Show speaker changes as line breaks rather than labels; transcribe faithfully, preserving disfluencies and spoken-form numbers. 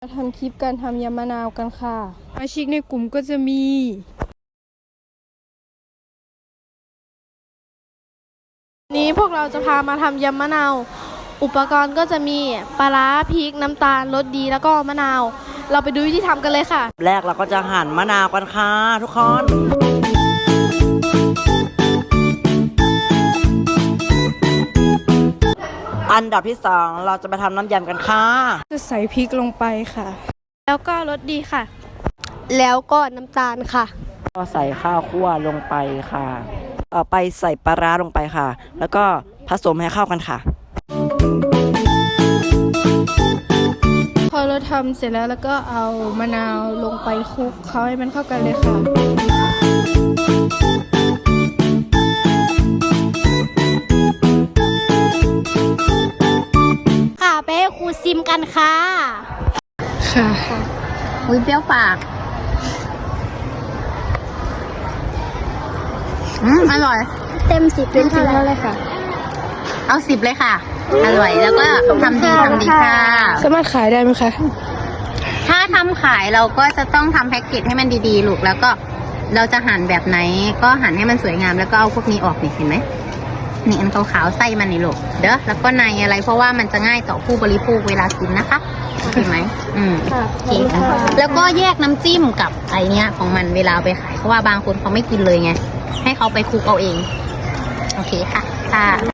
มาทำคลิปการทำยำมะนาวกันค่ะสมาชิกในกลุ่มก็จะมี นี้พวกเราจะพามาทำยำมะนาว อุปกรณ์ก็จะมีปลาร้าพริกน้ำตาลรสดีแล้วก็มะนาว เราไปดูวิธีทำกันเลยค่ะ
แรกเราก็จะหั่นมะนาวกันค่ะทุกคน อันดับที่สองเราจะไปทำน้ำยำกันค่ะ
จะใส่พริกลงไปค่ะ แล้วก็รสดีค่ะ แล้วก็น้ำตาลค่ะ
ก็ใส่ข้าวคั่วลงไปค่ะต่อไปใส่ปลาร้าลงไปค่ะ แล้วก็ผสมให้เข้ากันค่ะ
พอเราทำเสร็จแล้วแล้วก็เอามะนาวลงไปคลุกเคล้าให้มันเข้ากันเลยค่ะ
ค่ะไปให้ครูซิมกันค่ะ
ค่ะ
อุ้ยเปรี้ยวปากอืมอร่อย เต็มสิบเต็มสิบเท่าไรค่ะ เอาสิบเลยค่ะ อร่อยแล้วก็ทำดีทำดีค่ะ
สามารถขายได้ไหมคะ
ถ้าทำขายเราก็จะต้องทำแพ็กเกจให้มันดีๆลูกแล้วก็เราจะหั่นแบบไหนก็หั่นให้มันสวยงามแล้วก็เอาพวกนี้ออกนี่เห็นไหมนี่อันขาวๆไส้มันนี่ลูกเด้อแล้วก็ในอะไรเพราะว่ามันจะง่ายต่อผู้บริโภคเวลากินนะคะเห็นไหมอืม
ค่ะ
โอเคค่ะแล้วก็แยกน้ำจิ้มกับไอเนี้ยของมันเวลาเอาไปขายเพราะว่าบางคนเขาไม่กินเลยไงให้เขาไปคลุกเอาเองโอเคค่ะค่ะ